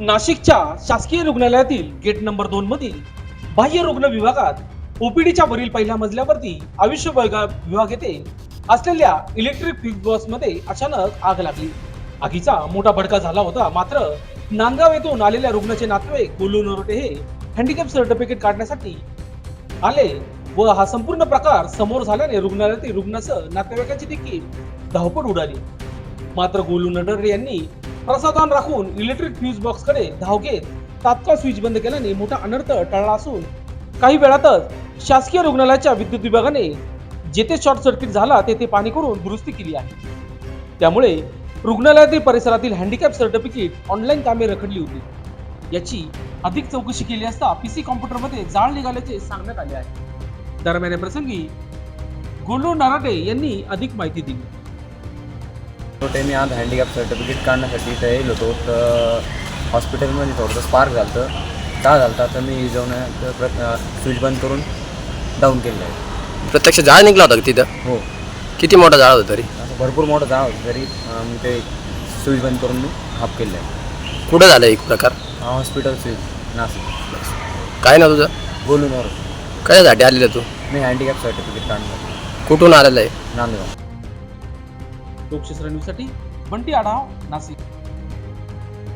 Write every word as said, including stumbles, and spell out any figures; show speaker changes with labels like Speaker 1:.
Speaker 1: नाशिकच्या शासकीय रुग्णालयातील गेट नंबर दोन मधील बाह्य रुग्ण विभागात ओपीडीच्या वरील पहिल्या मजल्यावरती आयुष्य विभाग येथे असलेल्या इलेक्ट्रिक फ्यूज बॉक्स मध्ये अचानक आग लागली। आगीचा मोठा भडका झाला होता। मात्र नांदगाव येथून आलेल्या रुग्णाचे नातेवाईक गोलू नरोटे हे हँडिकॅप सर्टिफिकेट काढण्यासाठी आले व हा संपूर्ण प्रकार समोर झाल्याने रुग्णालयातील रुग्णासह नातेवाईकांची देखील धावपळ उडाली। मात्र गोलू नरोटे यांनी प्रसाधन राखून इलेक्ट्रिक फ्यूज बॉक्स कडे धाव घेत तात्काळ स्विच बंद केल्याने मोठा अनर्थ टळला असून काही वेळातच शासकीय रुग्णालयाच्या विद्युत विभागाने जेथे शॉर्ट सर्किट झाला तेथे पाणी करून दुरुस्ती केली आहे। त्यामुळे रुग्णालयातील परिसरातील हँडिकॅप सर्टिफिकेट ऑनलाईन कामे रखडली होती। याची अधिक चौकशी केली असता पीसी कॉम्प्युटर मध्ये जाळ निघाल्याचे सांगण्यात आले आहे। दरम्यान या प्रसंगी गोलू नरोटे यांनी अधिक माहिती दिली।
Speaker 2: छोटे मी आज हँडिकॅप सर्टिफिकेट काढण्यासाठी इथं येईल होतो, तर हॉस्पिटलमध्ये थोडंसं स्पार्क झालं होतं। का झालं होतं तर मी जाऊन स्विच बंद करून डाऊन केलं आहे।
Speaker 3: प्रत्यक्ष जाळ निघला होता तिथं?
Speaker 2: हो।
Speaker 3: किती मोठा जाळ होता तरी?
Speaker 2: असं भरपूर मोठं जाळ होतं तरी मी ते स्विच बंद करून मी हाफ केलं आहे।
Speaker 3: कुठं झालं एक प्रकार?
Speaker 2: Hospital switch Nashik.
Speaker 3: काय ना तुझं?
Speaker 2: गोलू नरोटे।
Speaker 3: कशासाठी आलेलं तू?
Speaker 2: मी हँडिकॅप सर्टिफिकेट काढणार।
Speaker 3: कुठून आलेलं आहे?
Speaker 2: नांदगाव।
Speaker 1: लोकशास्त्र न्यूजसाठी बंटी आढाव, नाशिक।